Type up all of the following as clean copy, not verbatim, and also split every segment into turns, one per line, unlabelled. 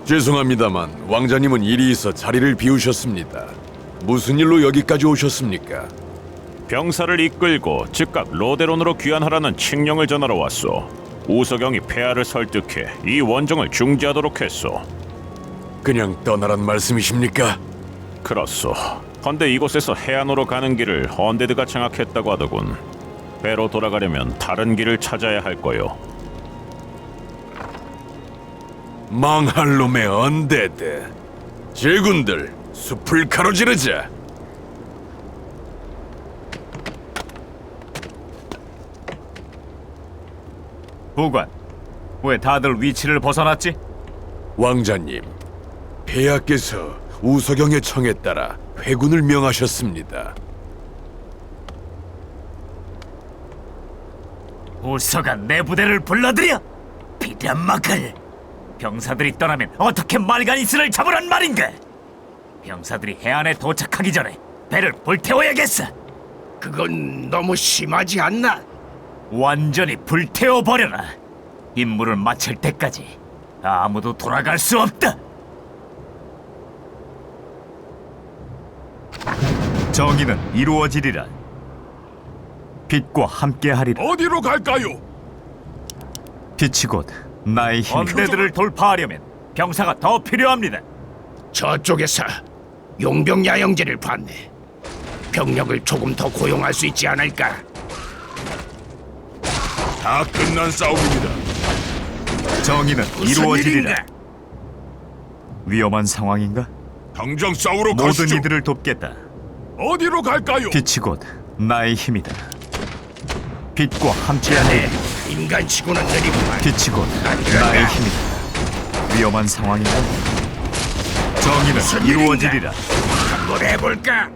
죄송합니다만 왕자님은 일이 있어 자리를 비우셨습니다. 무슨 일로 여기까지 오셨습니까?
병사를 이끌고 즉각 로데론으로 귀환하라는 칙령을 전하러 왔소. 우서경이 폐하를 설득해 이 원정을 중지하도록 했소.
그냥 떠나란 말씀이십니까?
그렇소. 헌데 이곳에서 해안으로 가는 길을 언데드가 장악했다고 하더군. 배로 돌아가려면 다른 길을 찾아야 할 거요.
망할 놈의 언데드. 제군들, 숲을 가로지르자.
부관, 왜 다들 위치를 벗어났지?
왕자님, 폐하께서 우서경의 청에 따라 회군을 명하셨습니다.
우서가 내 부대를 불러들여! 비련막을! 병사들이 떠나면 어떻게 말가니스를 잡으란 말인가? 병사들이 해안에 도착하기 전에 배를 불태워야겠어!
그건 너무 심하지 않나?
완전히 불태워버려라! 임무를 마칠 때까지 아무도 돌아갈 수 없다! 정의는 이루어지리라. 빛과 함께하리라.
어디로 갈까요?
빛이 곧 나의 힘이다. 언데드를 돌파하려면 병사가 더 필요합니다.
저쪽에서 용병 야영제를 봤네. 병력을 조금 더 고용할 수 있지 않을까?
다 끝난 싸움입니다.
정의는
무슨
이루어지리라.
일인가?
위험한 상황인가?
당장 싸우러
모든 이들을 돕겠다.
어디로 갈까요?
빛이 곧 나의 힘이다. 빛과 함께하리라.
인간치고는 느리구만.
빛이 곧 나의 힘이다. 위험한 상황인가? 정의는
무슨
이루어지리라.
한번 해볼까?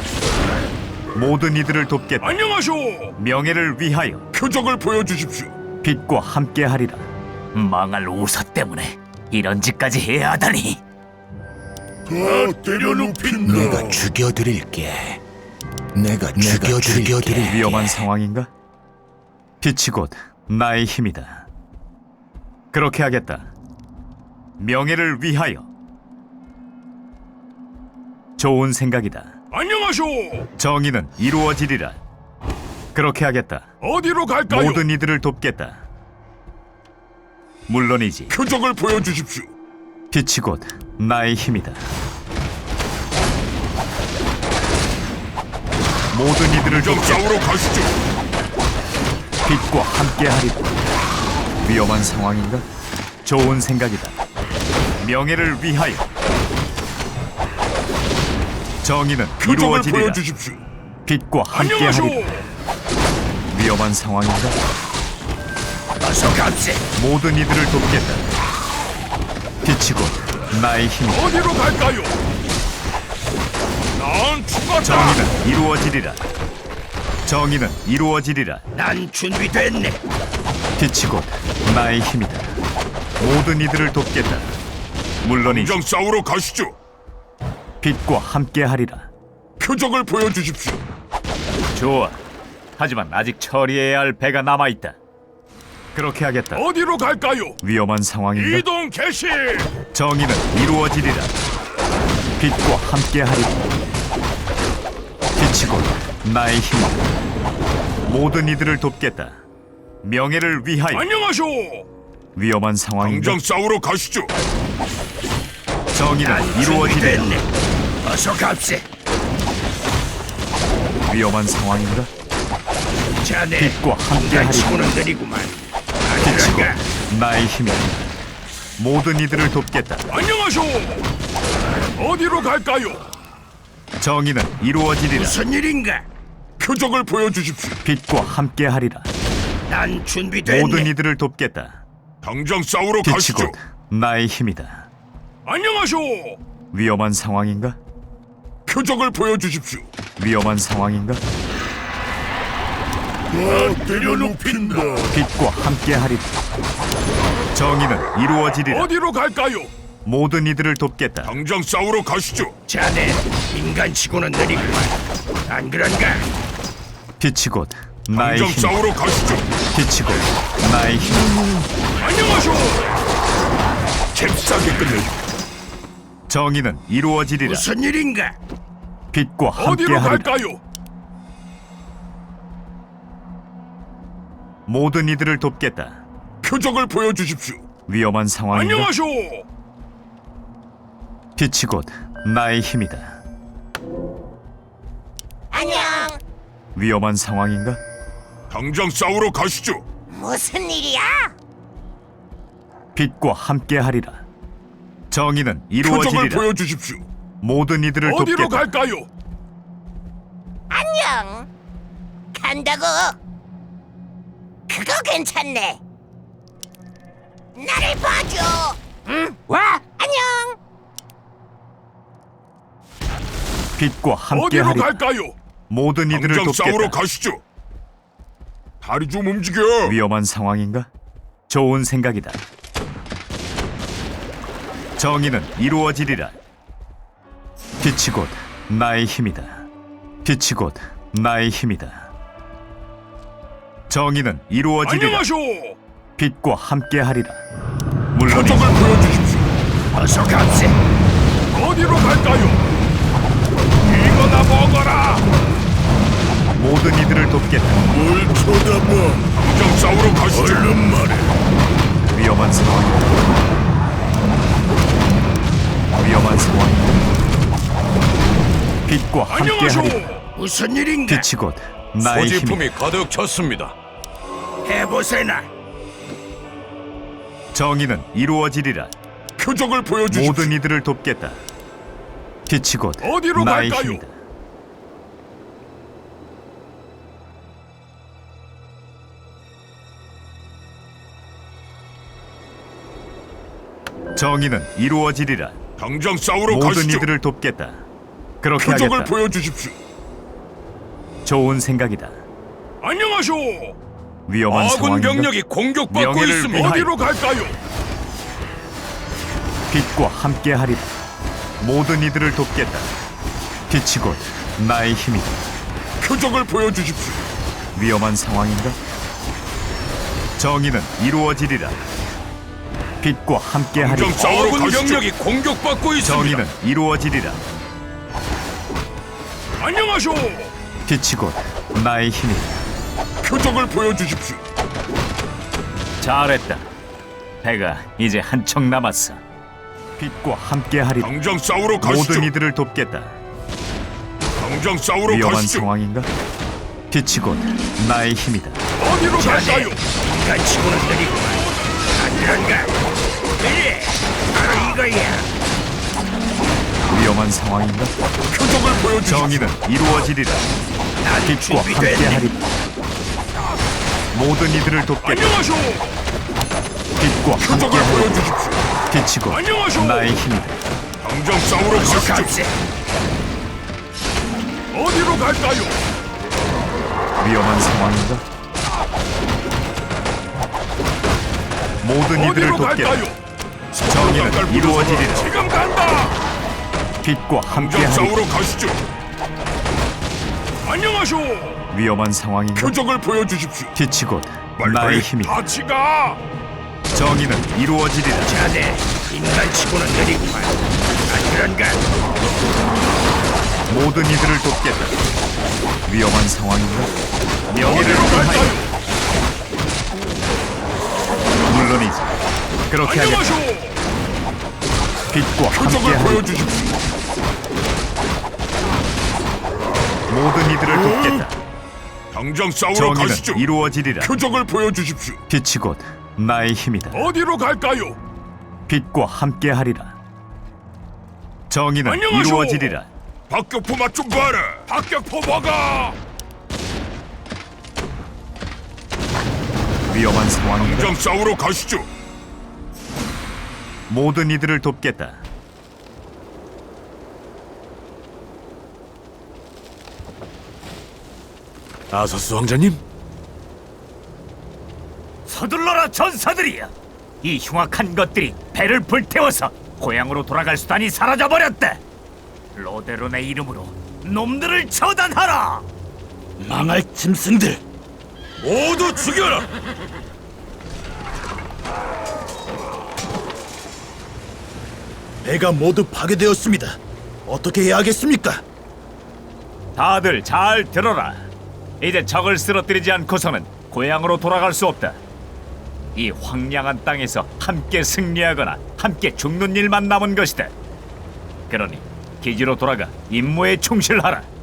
모든 이들을 돕겠다.
안녕하쇼.
명예를 위하여
표적을 보여주십시오.
빛과 함께하리라. 망할 우서 때문에 이런 짓까지 해야 하다니.
다 때려눕힌다.
내가 죽여드릴게. 내가 죽여드릴게.
위험한 상황인가? 빛이 곧 나의 힘이다. 그렇게 하겠다. 명예를 위하여. 좋은 생각이다.
안녕하쇼.
정의는 이루어지리라. 그렇게 하겠다.
어디로 갈까요?
모든 이들을 돕겠다. 물론이지.
표적을 보여주십시오.
빛이 곧 나의 힘이다. 모든 이들을
좀
돕겠다.
싸우러 가시죠.
빛과 함께하리라. 위험한 상황인가? 좋은 생각이다. 명예를 위하여. 정의는
표적을
이루어지리라.
보여주십시오.
빛과 함께하리라.
안녕하쇼.
위험한 상황인가?
어서 갑세.
모든 이들을 돕겠다. 빛이 곧 나의 힘이다.
어디로 갈까요? 난 죽었다.
정의는 이루어지리라. 정의는 이루어지리라.
난 준비됐네.
빛이 곧 나의 힘이다. 모든 이들을 돕겠다. 물론이지.
당장 싸우러 가시죠.
빛과 함께하리라.
표적을 보여주십시오.
좋아. 하지만 아직 처리해야 할 배가 남아있다. 그렇게 하겠다.
어디로 갈까요?
위험한 상황인가?
이동 개시.
정의는 이루어지리라. 빛과 함께하리라. 빛이 곧 나의 힘이다. 모든 이들을 돕겠다. 명예를 위하여.
안녕하쇼.
위험한 상황인가?
당장 싸우러 가시죠.
정의는
난
이루어지리라.
준비됐네. 어서 갑세.
위험한 상황인가?
자네
빛과 함께하리라.
인간치고는 느리구만.
빛이
그런가?
곧 나의 힘이다. 모든 이들을 돕겠다.
안녕하쇼. 어디로 갈까요?
정의는 이루어지리라.
무슨 일인가?
표적을 보여주십시오.
빛과 함께하리라.
난 준비됐네.
모든 이들을 돕겠다.
당장 싸우러
빛이
가시죠.
곧 나의 힘이다.
안녕하쇼.
위험한 상황인가?
표적을 보여주십시오.
위험한 상황인가?
다 때려눕힌다.
빛과 함께하리라. 정의는 이루어지리라.
어디로 갈까요?
모든 이들을 돕겠다.
당장 싸우러 가시죠.
자네 인간치고는 느리구만. 안 그런가?
빛이 곧 나의
당장
힘.
싸우러 가시죠.
빛이 곧 나의 힘.
안녕하쇼. 잽싸게 끝내죠.
정의는 이루어지리라.
무슨 일인가?
빛과
어디로
함께하리라.
갈까요?
모든 이들을 돕겠다.
표적을 보여주십시오.
위험한 상황인가?
안녕하쇼.
빛이 곧 나의 힘이다.
안녕.
위험한 상황인가?
당장 싸우러 가시죠.
무슨 일이야?
빛과 함께하리라. 정의는
표적을
이루어지리라.
보여주십시오.
모든 이들을
어디로
돕겠다.
갈까요?
안녕. 간다고. 그거 괜찮네. 나를 봐줘. 응? 와. 안녕.
빛과
어디로
함께하리라.
갈까요?
모든 이들을
당장 싸우러
돕겠다.
가시죠. 다리 좀 움직여.
위험한 상황인가? 좋은 생각이다. 정의는 이루어지리라. 빛이 곧 나의 힘이다. 빛이 곧 나의 힘이다. 정의는 이루어지리라.
안녕하쇼.
빛과 함께하리라. 물론
표적을 보여주십시오.
어서 갑세.
어디로 갈까요? 이거나 먹어라.
모든 이들을 돕겠다.
뭘 쳐다봐. 당장 싸우러 가시죠. 얼른 말해.
위험한 상황이다. 위험한 상황이다. 빛과
안녕하쇼.
함께하리라.
무슨 일인가?
빛이 곧 나의 힘이다.
소지품이 가득 찼습니다.
해보세나.
정의는 이루어지리라.
표적을 보여주십시오.
모든 이들을 돕겠다. 빛이 곧
어디로
나의
갈까요?
힘이다. 정의는 이루어지리라.
당장 싸우러
모든
가시죠.
이들을 돕겠다. 그렇게
표적을
하겠다.
보여주십시오.
좋은 생각이다.
안녕하쇼.
위험한
아군
상황인가?
병력이 공격받고
명예를
있습니다.
위하여.
어디로 갈까요?
빛과 함께하리라. 모든 이들을 돕겠다. 빛이 곧 나의 힘이다.
표적을 보여주십시오.
위험한 상황인가? 정의는 이루어지리라. 빛과 함께하리라.
당장 싸우러 아군 병력이 공격받고 있습니다.
정의는 이루어지리라.
안녕하쇼.
빛이 곧 나의 힘이다.
표적을 보여주십시오.
잘했다. 배가 이제 한 척 남았어. 빛과 함께하리라.
당장 싸우러 가시죠.
모든 이들을 돕겠다.
당장 싸우러
위험한
가시죠.
상황인가? 빛이 곧 나의 힘이다.
어디로 갈까요?
인간치고는 느리구만. 안 그런가? 그래. 바로 이거야.
위험한 상황인가?
표적을 보여주십시오.
정의는 이루어지리라.
난
빛과
준비됐네.
함께하리라. 모든 이들을 돕겠다.
안녕하쇼.
빛과
표적을
함께하리라.
보여주십시오.
빛이 곧
안녕하쇼.
나의 힘이다.
당장 싸우러
어서
가시죠.
갑세.
어디로 갈까요?
위험한 상황인가? 모든 이들을
어디로
돕겠다.
갈까요?
정의는
서로
이루어지리라.
지금 간다.
빛과
당장
함께하리라.
싸우러 가시죠. 안녕하쇼.
위험한 상황인가?
표적을 보여주십시오.
빛이 곧
빨리
나의 힘이다.
같이 가.
정의는 이루어지리라.
자네, 인간치고는 느리구만. 안 그런가?
모든 이들을 돕겠다. 위험한 상황인가? 명예를
어디로
위하여.
갈까요?
물론이지. 그렇게 하겠다.
안녕하쇼.
빛과
표적을
함께하리라.
보여주십시오.
모든 이들을 돕겠다.
당장 싸우러
정의는
가시죠.
이루어지리라.
표적을 보여주십시오.
빛이 곧 나의 힘이다.
어디로 갈까요?
빛과 함께하리라. 정의는
안녕하쇼.
이루어지리라.
박격포 맛 좀 봐라. 박격포 먹어.
위험한 상황인가?
당장 싸우러 가시죠.
모든 이들을 돕겠다.
아서스 왕자님?
서둘러라 전사들이여! 이 흉악한 것들이 배를 불태워서 고향으로 돌아갈 수단이 사라져버렸다! 로데론의 이름으로 놈들을 처단하라!
망할 짐승들.
모두 죽여라.
배가 모두 파괴되었습니다. 어떻게 해야 하겠습니까?
다들 잘 들어라. 이제 적을 쓰러뜨리지 않고서는 고향으로 돌아갈 수 없다. 이 황량한 땅에서 함께 승리하거나 함께 죽는 일만 남은 것이다. 그러니 기지로 돌아가 임무에 충실하라.